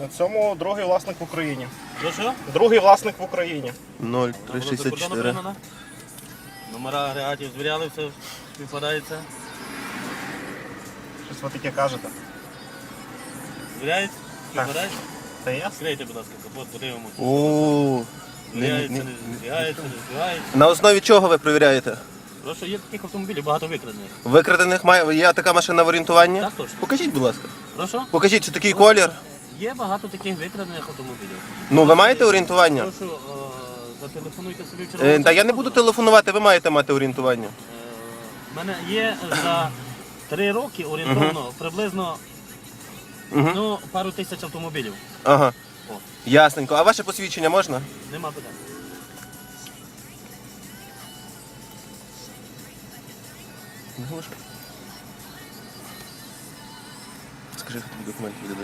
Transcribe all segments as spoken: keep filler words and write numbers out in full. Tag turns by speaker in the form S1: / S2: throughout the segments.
S1: На цьому другий власник в Україні.
S2: Що що?
S1: Другий власник в Україні.
S3: нуль три шістдесят чотири.
S2: Номера агрегатів звіряли, все співпадається.
S1: Щось ви таке кажете.
S2: Звіряється?
S1: Так.
S2: Співпадається?
S1: Та ясно.
S2: Скрийте, будь ласка, капот, подивимося.
S3: О,
S2: Звіряється,
S3: не-
S2: не
S3: не-
S2: звіряється, не звіряється.
S3: на основі чого ви перевіряєте?
S2: Просто є таких автомобілів, багато викрадених.
S3: Викрадених має є така машина в орієнтуванні?
S2: Так точно.
S3: Покажіть, будь ласка.
S2: Прошу?
S3: Покажіть, чи такий колір.
S2: Є багато таких викрадених автомобілів.
S3: Ну, ви маєте орієнтування?
S2: Прошу, е, зателефонуйте собі в
S3: Е,
S2: червону.
S3: Та я не буду телефонувати, ви маєте мати орієнтування.
S2: У мене є за три роки орієнтовно приблизно
S3: Мгм.
S2: ну, пару тисяч автомобілів.
S3: Ага.
S2: О,
S3: Ясненько. А ваше посвідчення можна?
S2: нема питань.
S3: Скажи, хто тобі документи віддадуть.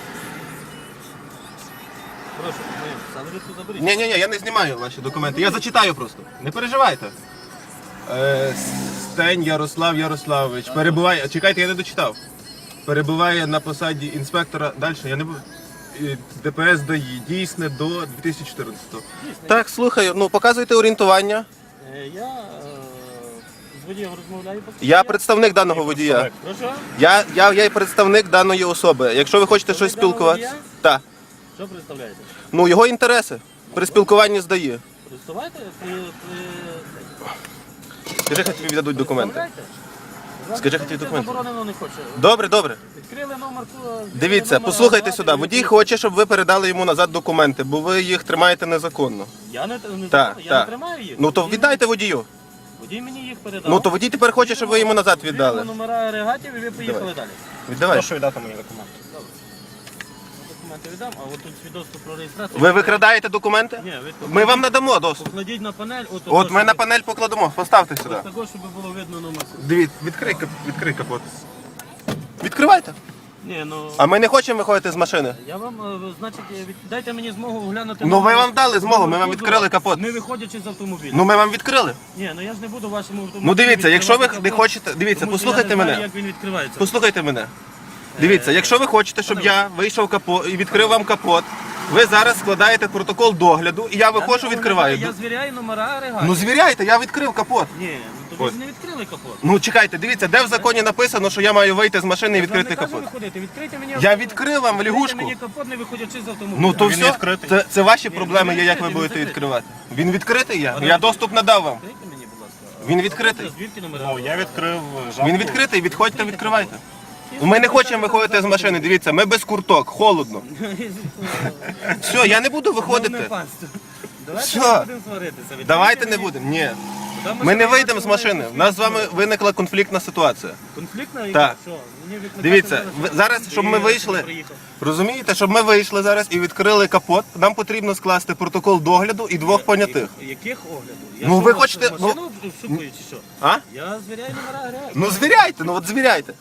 S2: Прошу, ми саме заберіть.
S3: Ні, ні, ні, я не знімаю ваші документи. Я зачитаю просто. Не переживайте. Е, Стень Ярослав Ярославович. Перебуває. Чекайте, я не дочитав. Перебуває на посаді інспектора. Далі я не буду. Е, ДПС ДАІ. Дійсне до дві тисячі чотирнадцятого.
S2: Дійсно.
S3: Так, слухаю. Ну, показуйте орієнтування.
S2: Е, Я е, з водієм розмовляю. поки
S3: Я
S2: що.
S3: представник даного водія.
S2: Прошу?
S3: Я, я, я є представник даної особи. Якщо ви хочете
S2: Ви
S3: щось
S2: даного
S3: спілкуватися.
S2: водія?
S3: Так.
S2: Що представляєте?
S3: Ну, його інтереси при спілкуванні з ДАІ.
S2: Представляєте? При, при...
S3: Скажи, хай тобі віддадуть документи.
S2: Представляєте?
S3: Скажи, хай тобі
S2: Це
S3: документи.
S2: заборонено не хоче.
S3: Добре, добре.
S2: Відкрили номер. відкрили
S3: Дивіться,
S2: номер
S3: послухайте
S2: агрегату,
S3: сюди.
S2: і
S3: Водій
S2: відкрили.
S3: хоче, щоб ви передали йому назад документи, бо ви їх тримаєте незаконно.
S2: Я не, не,
S3: Так,
S2: я
S3: так.
S2: не тримаю їх.
S3: Ну то
S2: Водій-
S3: віддайте водію.
S2: Водій мені їх передав.
S3: Ну то водій тепер хоче, щоб ви йому назад віддали.
S2: Віддали номера агрегатів і ви поїхали
S3: Давай.
S2: далі.
S3: Віддавай.
S1: Прошу віддати мені документи.
S2: Добре. Я документи віддам, а от тут свідоцтво про реєстрацію.
S3: Ви викрадаєте документи?
S2: Ні, ви
S3: Ми вам надамо доступ.
S2: покладіть на панель. От,
S3: От ми на панель покладемо. Поставте сюди.
S2: Ось також, щоб було видно номер.
S3: Дивіться, відкрий, кап- відкрий капот. Відкривайте.
S2: Ні, ну...
S3: А ми не хочемо виходити з машини.
S2: Я вам, е, значить, е, від... дайте мені змогу оглянути...
S3: Ну, ви
S2: номер-
S3: вам дали змогу, ми вам
S2: номер
S3: відкрили
S2: кузова,
S3: капот.
S2: Не виходячи з автомобіля.
S3: Ну ми вам відкрили.
S2: Ні, ну я ж не буду вашому автомобілю...
S3: Ну дивіться, якщо ви
S2: відкривати
S3: не
S2: капот,
S3: хочете. Дивіться,
S2: тому що
S3: послухайте
S2: я не знаю,
S3: мене.
S2: як він відкривається.
S3: Послухайте мене. Дивіться, якщо ви хочете, щоб я вийшов капот і відкрив вам капот, ви зараз складаєте протокол догляду, і я виходжу,
S2: Я
S3: відкриваю.
S2: Я звіряю номера агрегатів.
S3: Ну звіряйте, я відкрив капот.
S2: Ні, ну то ви
S3: Ось.
S2: ж не відкрили капот.
S3: Ну чекайте, дивіться, де в законі написано, що я маю вийти з машини і
S2: Я ж вам
S3: відкрити
S2: не кажу
S3: капот.
S2: виходити, відкрийте мені
S3: Я
S2: автомобіль.
S3: відкрив вам в
S2: Відкрийте
S3: лягушку.
S2: мені капот, не виходячи з автомобіля.
S3: Ну то
S1: Він
S3: все,
S1: відкритий.
S3: це, це ваші
S2: Ні,
S3: проблеми
S2: він
S3: є, як ви
S2: відкритий,
S3: будете
S2: він
S3: відкривати. Він відкритий я? Я доступ надав вам.
S2: Відкрийте мені, будь ласка.
S3: Він відкритий.
S2: Звідки номера?
S1: Ну, я відкрив жабку.
S3: Він відкритий, відходьте, відкривайте. Ми не хочемо виходити з машини, дивіться, ми без курток, холодно. Все, я не буду виходити.
S2: Давайте
S3: Все.
S2: не будемо сваритися. Відкрийте
S3: Давайте не
S2: мені.
S3: будемо. Ні.
S2: Куди
S3: Ми не
S2: ще
S3: вийдемо з
S2: маємо
S3: машини.
S2: свої
S3: У нас з вами
S2: конфлікти?
S3: виникла конфліктна ситуація.
S2: Конфліктна?
S3: Так.
S2: Що? Мені викликати
S3: Дивіться, ви- зараз, щоб ми
S2: Я
S3: вийшли,
S2: приїхав.
S3: розумієте, щоб ми вийшли зараз і відкрили капот, нам потрібно скласти протокол догляду і двох понятих.
S2: Я- Яких оглядів? Я
S3: Ну,
S2: що,
S3: ви
S2: маш-
S3: хочете- ну-
S2: Машину шукаю чи що?
S3: А?
S2: Я звіряю номера агрегатів.
S3: Ну звіряйте, ну от звіряйте.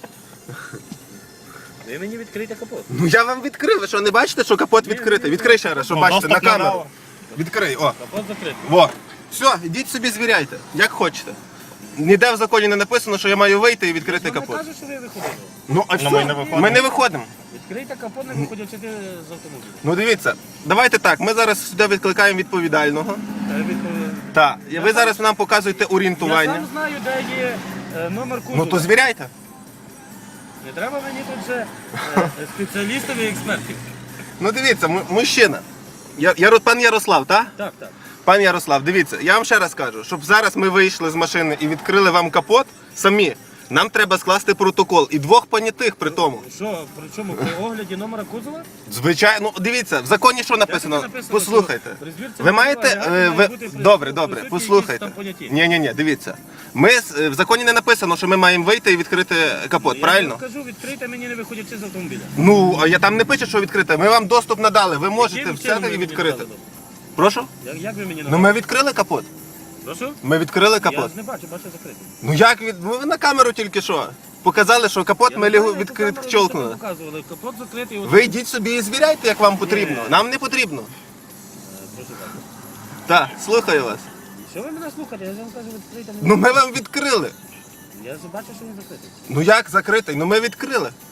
S2: Ви мені відкрийте капот.
S3: Ну я вам відкрив, ви що не бачите, що капот відкритий? Відкрий ще раз, щоб
S1: Ну,
S3: бачите, на
S1: доступ
S3: камеру.
S1: надав.
S3: Відкрий, о.
S2: Капот закритий.
S3: Во. Все, ідіть собі звіряйте, як хочете. Ніде в законі не написано, що я маю вийти і відкрити
S2: Я не
S3: капот.
S2: кажу, що ви виходили.
S3: Ну а
S1: Ну,
S3: все,
S1: ми не виходимо.
S3: ми не виходимо.
S2: Відкрийте капот, не виходячи з автомобіля.
S3: Ну дивіться, давайте так, ми зараз сюди відкликаємо відповідального.
S2: Та я відповідаю.
S3: Так, і ви зараз нам показуєте
S2: Я
S3: орієнтування.
S2: сам знаю, де є е, номер кузова.
S3: Ну то звіряйте.
S2: Не треба мені тут вже е, спеціалістів і експертів.
S3: Ну дивіться, му- мужчина. Я, я, пан Ярослав, так?
S2: Так, так.
S3: Пан Ярослав, дивіться, я вам ще раз кажу, щоб зараз ми вийшли з машини і відкрили вам капот самі, нам треба скласти протокол і двох понятих при тому.
S2: Що, при чому? При огляді номера кузова?
S3: Звичайно, ну дивіться, в законі що написано?
S2: Як це написано,
S3: Послухайте.
S2: що при звірці
S3: Ви маєте.
S2: агрегату
S3: е,
S2: має
S3: Ви...
S2: бути при-
S3: Добре, добре,
S2: присутні
S3: послухайте.
S2: якісь там поняті?
S3: Ні, ні, ні, дивіться. Ми з- е, в законі не написано, що ми маємо вийти і відкрити капот, правильно?
S2: Я кажу, відкрийте мені, не виходячи з автомобіля.
S3: Ну, а я там не пише, що відкрите. Ми вам доступ надали. Ви можете
S2: Яким чином
S3: взяти
S2: ви
S3: і
S2: мені
S3: відкрити.
S2: надали?
S3: Прошу?
S2: Як, як ви мені
S3: Ну
S2: надали?
S3: ми відкрили капот.
S2: Прошу?
S3: Ми відкрили
S2: Я
S3: капот.
S2: ж не бачу, бачу закритий.
S3: Ну як від. Ну, ви на камеру тільки що. Показали, що капот
S2: Я
S3: ми
S2: не знаю,
S3: лігу
S2: яку камеру ви
S3: відчолкнули.
S2: собі показували. Капот закритий. от-
S3: Ви йдіть собі і звіряйте, як вам потрібно.
S2: Ні.
S3: Нам не потрібно.
S2: Е, Прошу так.
S3: Так, слухаю вас.
S2: Що ви мене слухаєте? Я ж вам кажу, відкрийте мені.
S3: Ну ми вам відкрили.
S2: Я ж бачу, що він закритий.
S3: Ну як закритий? Ну ми відкрили.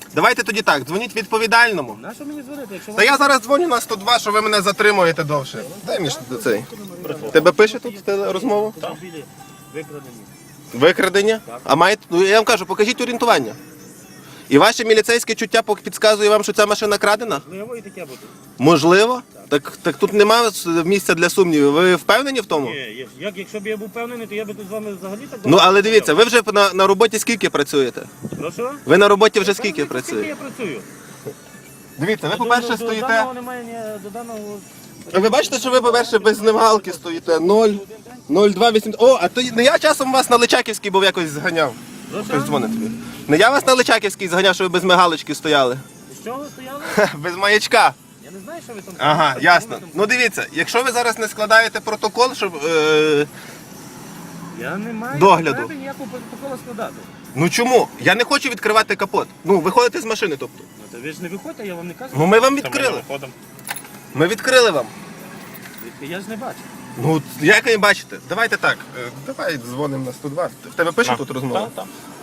S3: Давайте тоді так, дзвоніть відповідальному.
S2: На що мені дзвонити, якщо
S3: Та я зараз дзвоню на сто два, що ви мене затримуєте довше. Дай мені ж цей. Тебе пише тут теле- розмову?
S2: автомобілі викрадені?
S3: Викрадення? А маєте. Ну я вам кажу, покажіть орієнтування. І ваше міліцейське чуття пок- підказує вам, що ця машина крадена?
S2: Можливо, і таке бути.
S3: Можливо? Так, так тут немає місця для сумнівів. Ви впевнені в тому?
S2: Є, є. Як, якщо б я був впевнений, то я би тут з вами взагалі так
S3: Ну але дивіться, ви вже на, на роботі скільки працюєте?
S2: Ну що?
S3: Ви на роботі вже
S2: Скільки
S3: скільки
S2: Скільки я
S3: працюєте?
S2: працюю?
S3: Дивіться, ви,
S2: До-
S3: по-перше,
S2: до-
S3: стоїте.
S2: До даного немає, ні, до даного...
S3: Ви бачите, що ви, по-перше, без знімалки стоїте. нуль, нуль два вісім. О, а то не я часом вас на Личаківській був якось зганяв.
S2: Ну
S3: Хтось
S2: що?
S3: дзвонить тобі. Не я вас на Личаківській зганяв, що ви без мигалочки стояли.
S2: З чого ви стояли?
S3: Ха, без маячка.
S2: Я не знаю, що ви там...
S3: Ага,
S2: що ви
S3: ясно.
S2: там-
S3: Ну дивіться, якщо ви зараз не складаєте протокол, щоб. Е...
S2: Я не маю
S3: догляду.
S2: потреби ніякого протоколу складати.
S3: Ну чому? Я не хочу відкривати капот. Ну, виходите з машини, тобто.
S2: Ну, то ви ж не виходьте, я вам не кажу.
S3: Ну ми вам
S1: Та ми не
S3: відкрили.
S1: виходимо.
S3: Ми відкрили вам.
S2: Я ж не бачу.
S3: Ну, як ви бачите, давайте так. е, Давай дзвонимо на сто два. В тебе пише
S1: На.
S3: тут розмова?
S1: Так, так.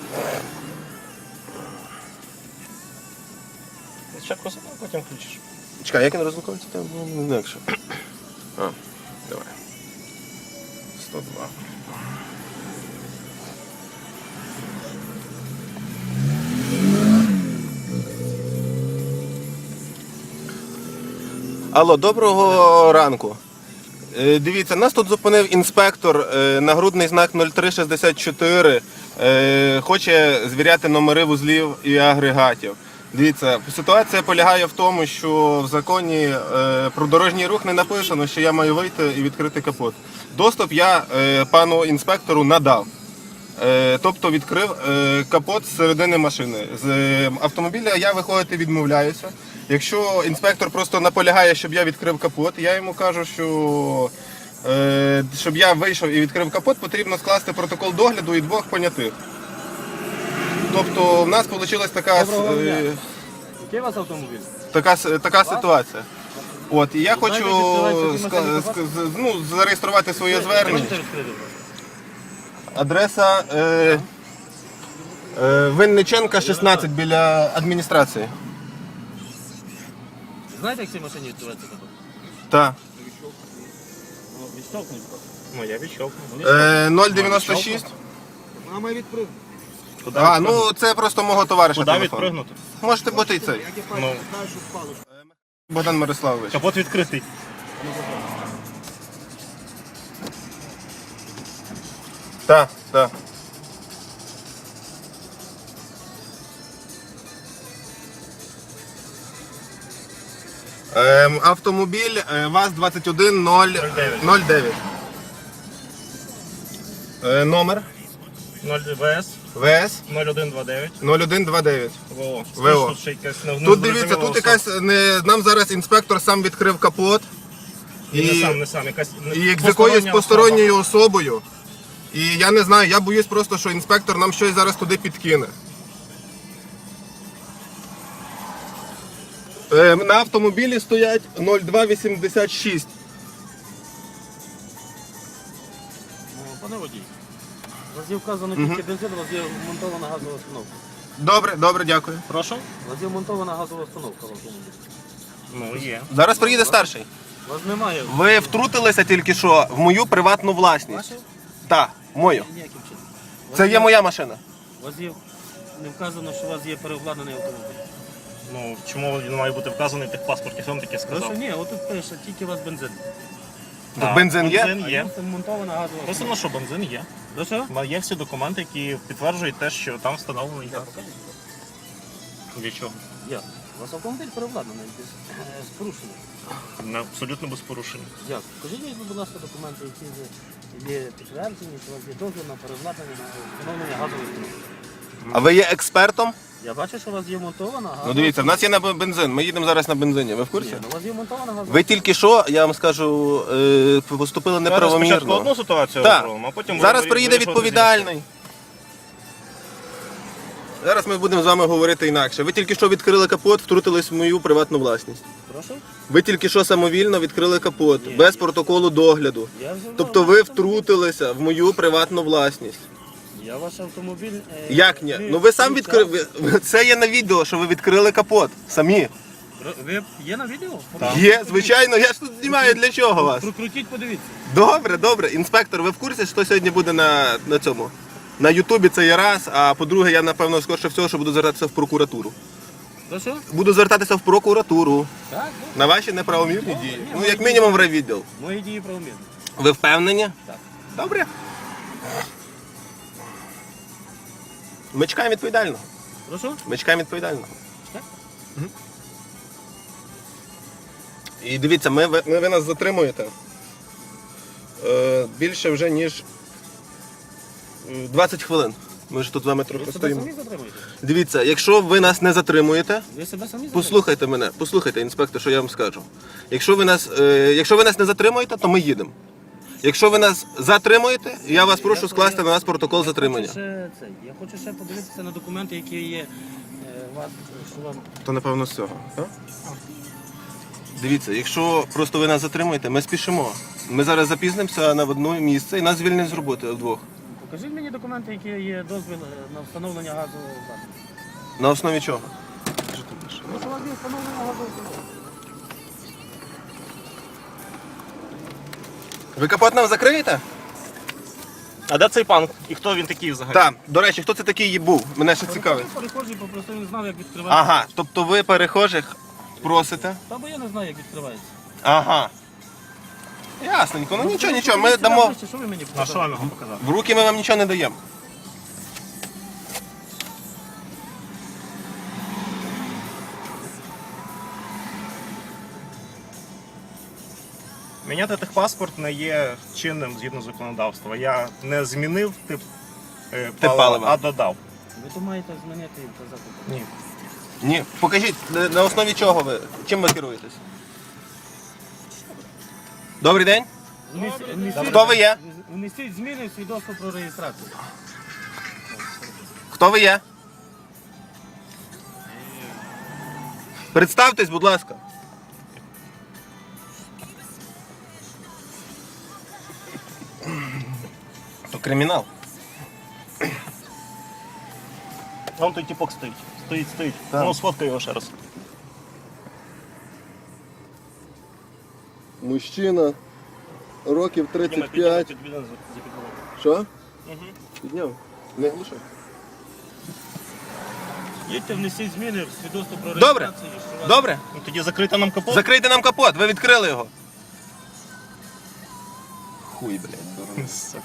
S1: Спочатку сам, а потім включиш.
S3: Чекай, як він розлуковується, там ну, не інакше. А, давай. сто два. Алло, доброго ранку. Е, Дивіться, нас тут зупинив інспектор, е, нагрудний знак нуль три шістдесят чотири, е, хоче звіряти номери вузлів і агрегатів. Дивіться, ситуація полягає в тому, що в законі е, про дорожній рух не написано, що я маю вийти і відкрити капот. Доступ я е, пану інспектору надав. Е, Тобто відкрив е, капот з середини машини. З е, автомобіля я виходити відмовляюся. Якщо інспектор просто наполягає, щоб я відкрив капот, я йому кажу, що е, щоб я вийшов і відкрив капот, потрібно скласти протокол догляду і двох понятих. Тобто в нас вийшла така,
S2: Доброго
S3: е,
S2: дня. Який у вас автомобіль?
S3: така, с- така ситуація. От, і я хочу
S2: Знаєте, відкривається
S3: ска-
S2: машина
S3: ск- з- ну, зареєструвати своє звернення.
S2: Можете розкрити, будь ласка?
S3: Адреса е, е, Винниченка, шістнадцять, біля адміністрації.
S2: Знаєте, як в цій машині відбувається капот?
S3: Так.
S2: Ну, відштовхнуть просто.
S1: Ну, я відщовкну.
S3: Е, нуль дев'яносто шість.
S2: Мама відпрыг.
S1: Куди
S3: А,
S1: відпригнути?
S3: ну це просто мого товариша
S1: Куди
S3: телефон.
S1: відпригнути?
S3: Можете бути і цей.
S1: Ну,
S3: Богдан Мирославович.
S1: капот відкритий.
S3: Так, так. Ем, автомобіль е, ВАЗ двадцять один нуль дев'ять. Е, номер
S1: нуль ВС
S3: ВС
S1: нуль один два дев'ять
S3: нуль один два дев'ять.
S1: ВО.
S3: ВО.
S1: Тут ще якась не-
S3: Тут дивіться,
S1: незрозуміла
S3: тут
S1: особа.
S3: якась не, нам зараз інспектор сам відкрив капот.
S1: І не сам, не сам, якась
S3: і як з якоюсь
S1: постороння
S3: посторонньою особою. І я не знаю, я боюсь просто, що інспектор нам щось зараз туди підкине. Е, на автомобілі стоять нуль два вісімдесят шість.
S2: Ну, пане водій, у вас є вказано тільки бензин, у вас є вмонтована газова установка.
S3: Добре, добре, дякую.
S1: особа. Прошу?
S2: У вас є вмонтована газова установка в автомобілі.
S1: Ну, є.
S3: Зараз приїде старший.
S2: У вас немає...
S3: Ви втрутилися тільки що в мою приватну власність.
S2: Ваші?
S3: Так, мою.
S2: Ніяким чином. У вас
S3: Це є моя машина.
S2: У вас є... Не вказано, що у вас є переобладнаний автомобіль.
S1: Ну, чому він має бути вказаний в тих паспорті? Хто вам таке
S2: Прошу,
S1: сказав?
S2: ні, отут пише, тільки у вас бензин.
S3: Тут бензин є?
S1: Бензин
S2: А
S1: є.
S2: є вмонтована газова
S1: Просто
S2: установка.
S1: що бензин є.
S2: Ну що?
S1: Ма- Є всі документи, які підтверджують те, що там встановлений газ. Для чого?
S2: Як? У вас автомобіль переобладнаний без, е, з порушенням.
S1: Не, абсолютно без порушень.
S2: Як? Покажіть мені, будь ласка, документи, які ви- є підтверджені, що у вас є дозвіл на переобладнання на встановлення газової установки.
S3: А ви є експертом?
S2: Я бачу, що у вас є монтована газова.
S3: Ну дивіться, в нас є на бензин. Ми їдемо зараз на бензині. Ви в курсі?
S2: Ні, ну, у вас є монтована газова.
S3: Ви тільки що, я вам скажу, е, поступили
S1: Зараз спочатку
S3: неправомірно.
S1: одну ситуацію
S3: Так.
S1: розробимо, а потім
S3: Зараз
S1: ви-
S3: приїде
S1: вирішувати
S3: відповідальний. Зараз ми будемо з вами говорити інакше. Ви тільки що відкрили капот, втрутились в мою приватну власність.
S2: Прошу?
S3: Ви тільки що самовільно відкрили капот,
S2: Ні.
S3: без протоколу догляду.
S2: Я вже
S3: Тобто ви втрутилися в мою приватну власність.
S2: Я ваш автомобіль... е,
S3: Як ні?
S2: не
S3: Ну ви сам
S2: включав.
S3: відкрили. ви- Це є на відео, що ви відкрили капот. Самі.
S2: Ви є на відео?
S1: Так.
S3: Є, звичайно, я ж тут знімаю для чого вас.
S2: Прокрутіть, подивіться.
S3: Добре, добре. Інспектор, ви в курсі, що сьогодні буде на, на цьому? На Ютубі це є раз, а по-друге, я напевно скорше всього, що буду звертатися в прокуратуру.
S2: То що?
S3: Буду звертатися в прокуратуру
S2: Так, добре.
S3: на ваші неправомірні
S2: Добре,
S3: дії.
S2: ні,
S3: Ну,
S2: ми-
S3: як мінімум, в райвідділ.
S2: Мої дії правомірні.
S3: Ви впевнені?
S2: Так.
S3: Добре. Ми чекаємо відповідально.
S2: Прошу?
S3: Ми чекаємо відповідально.
S2: Так.
S3: Мгм. І дивіться, ми, ви, ми- ви нас затримуєте е, більше вже, ніж е, двадцять хвилин. Ми ж тут з вами
S2: Ви
S3: трохи
S2: себе
S3: стоїмо.
S2: самі затримуєте?
S3: Дивіться, якщо ви нас не затримуєте,
S2: Ви себе самі затримуєте?
S3: послухайте мене, послухайте, інспектор, що я вам скажу. Якщо ви нас, е, якщо ви нас не затримуєте, то ми їдемо. Якщо ви нас затримуєте, я вас прошу скласти на нас протокол
S2: Я
S3: затримання.
S2: хочу ще, це, я хочу ще подивитися на документи, які є е, у вас, що вам...
S3: То напевно з цього. Так? Дивіться, якщо просто ви нас затримуєте, ми спішимо. Ми зараз запізнимося на одне місце і нас звільнять з роботи вдвох.
S2: Покажіть мені документи, які є дозвіл е, на встановлення газу.
S3: На основі чого?
S2: Ну, що у вас є встановлення газу?
S3: Ви капот нам закриєте?
S1: А де цей пан? І хто він такий взагалі?
S3: Так. До речі, хто це такий був? Мене ще цікавить.
S2: Перехожий попросив, не знав, як відкривається.
S3: Ага, тобто ви перехожих просите?
S2: Та бо я не знаю, як відкривається.
S3: Ага. Ясненько, ну нічого,
S2: ви
S3: нічого, ми
S2: подивіться
S3: дамо.
S2: ближче, Що ви мені
S1: На що
S2: показали?
S1: вам його показати?
S3: В руки ми вам нічого не даємо.
S1: Міняти техпаспорт не є чинним згідно законодавства. Я не змінив тип, е,
S3: Тип
S1: палива,
S3: палива.
S1: а додав.
S2: Ви то маєте змінити і казати.
S1: Ні.
S3: Ні. Покажіть, на на основі чого ви? Чим ви керуєтесь? Добрий день.
S2: Внесіть- внесіть-
S3: Хто ви є?
S2: Внесіть зміни в свідоцтво про реєстрацію.
S3: Хто ви є? Представтесь, будь ласка. То кримінал.
S1: Вон той тіпок стоїть. Стоїть, стоїть.
S3: Так.
S1: Ну, сфоткай його ще раз.
S3: Мужчина, років
S1: Підніми, підніми, підніми за- за підлогу.
S3: Що?
S1: Угу.
S3: Підняв. Не глушай.
S2: Їдьте, внесіть зміни в свідоцтво про
S3: Добре.
S2: реєстрацію. що вас-
S3: Добре.
S1: Ну, тоді закрити нам капот.
S3: Закрийте нам капот, ви відкрили його. Хуй, блядь, дурний.
S1: Сука.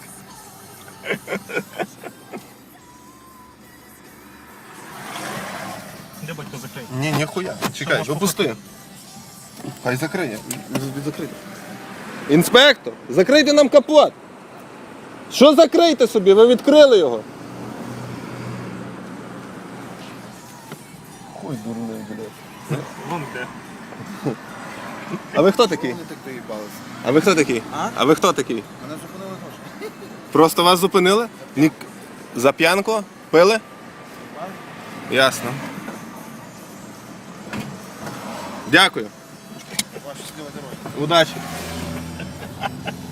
S1: Де батько закрий?
S3: Ні, ніхуя. Чекай,
S1: можеш
S3: випусти. Хай закриє. Закрийте. Інспектор, закрийте нам капот. Що закрийте собі? Ви відкрили його. Хуй дурний, блядь.
S1: Вон де.
S3: А ви хто такий?
S4: Вони так доїбалися.
S3: А ви хто такий?
S4: А?
S3: А ви хто такий?
S4: Мене зупинили теж.
S3: Просто вас зупинили? Ні... За п'янку? Пили? Ясно. Дякую.
S4: Ваша щаслива дорога.
S3: Удачі.